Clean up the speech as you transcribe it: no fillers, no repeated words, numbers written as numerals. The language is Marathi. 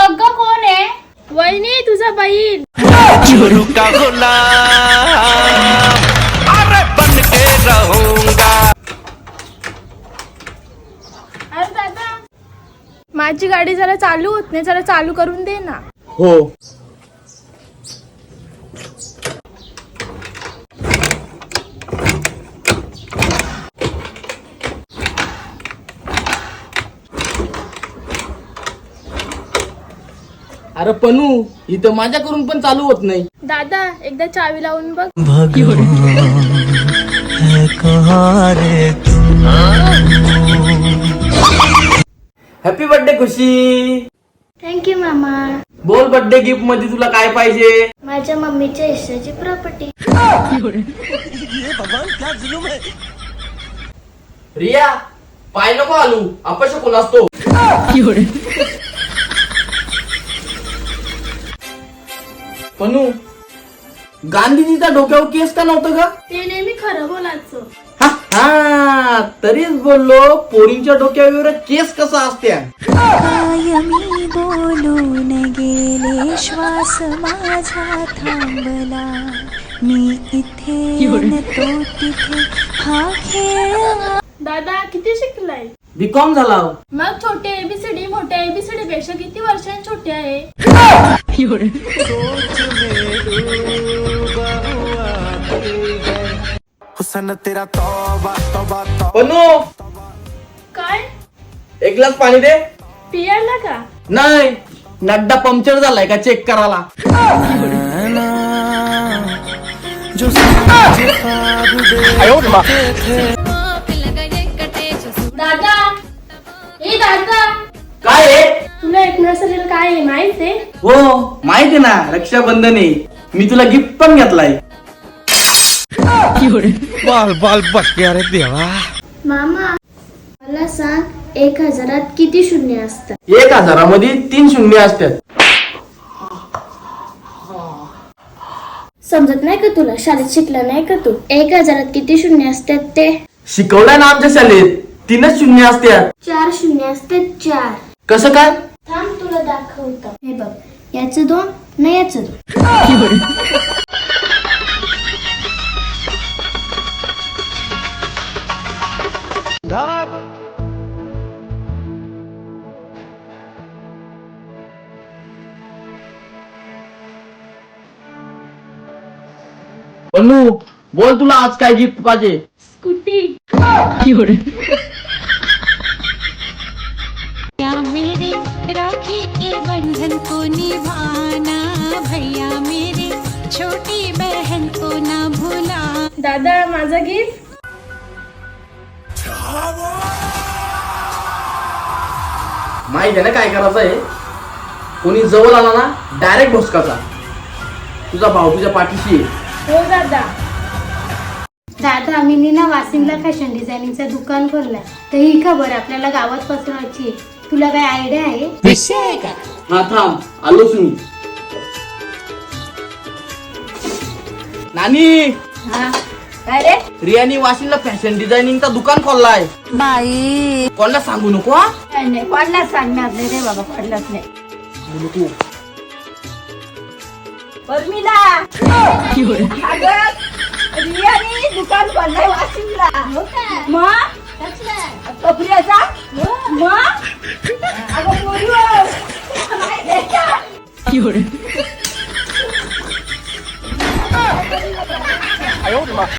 बघ कोण आहे. वहिनी तुझा बहीण. शुरू का गुलाम अरे बन के रहूंगा. अरे दादा माझी गाडी जरा चालू होत नाही, जरा चालू करून दे ना. हो. अरे पनू इथं माझ्याकडून पण चालू होत नाही. दादा एकदा चावी लावून बघ. हॅपी बर्थडे खुशी. थँक्यू मामा. बोल बर्थडे गिफ्ट मध्ये तुला काय पाहिजे. माझ्या मम्मीच्या हिस्साची प्रॉपर्टी. रिया पाय नको आलू अपशकुन असतो. पनू गांधीजीचा डोक्यावर केस का नव्हतं का. ते नेहमी खरं बोलायचं. हा तरीच बोललो पोरींच्या डोक्यावर केस कसा असत्या. कायमी बोलून गेले श्वास माझा थांबला मी इथे न तो तिथे हा खेळ. दादा किती शिकलाय. बीकॉम झाला. मग छोटे एबीसीडी मोठ्या एबीसीडी पेक्षा किती वर्षांनी छोटे आहे. हुसन तेरा तौबा तौबा तौबा. पनू काय एक ग्लास पाणी दे. पियाला का. नाही नड्डा पंक्चर झालाय का चेक करायला. जो मुझे ख्वाब देखते थे. दादा ए दादा काय आहे. तुला एक नसेल काय आहे माहित आहे. हो माहिती आहे ना रक्षाबंधन आहे. मी तुला गिफ्ट पण घेतलाय. बाल बाल बच गया रे देवा. मामा मला सांग 1000 किती शून्य असतात. 1000 3 शून्य असतात. समजत नाही का तुला. शाळेत शिकला नाही का तू. 1000 किती शून्य असतात ते. शिकवलंय ना आमच्या शाळेत 3च शून्य असतात. 4 शून्य असतात 4. कसं काय. थांब तुला दाखवतो. हे बघ याचं 2 नाही याचं 2. पन्नू बोल तुला आज काय गिफ्ट पाहिजे. स्कूटी. क्या मेरे राखी के बंधन को निभाना भैया मेरे छोटी बहन को ना भूला. दादा माझा गिफ्ट. माहिती आहे ना काय करायचं आहे. कोणी जवळ आला ना डायरेक्ट भोसकाचा. तुझा भाऊ तुझ्या पाठीशी आहे. हो दादा. दादा मी ना वाशिमला फॅशन डिझायनिंगचं दुकान खोललंय. तर ही खबर आपल्याला गावात पसरवायची. तुला काय आयडिया आहे. हा थांब आलोच मी. नानी काय रे. रियानी वाशिमला फॅशन डिझायनिंगचा दुकान खोललाय. बाई कोणाला सांगू नको हा. नाही कोणाला सांगणार नाही रे बाबा. कोणालाच नाही. सांगू नको. उर्मिला रियानी दुकान खोललंय वाशिमला. मग कपड्याचा मग अगं पोरी.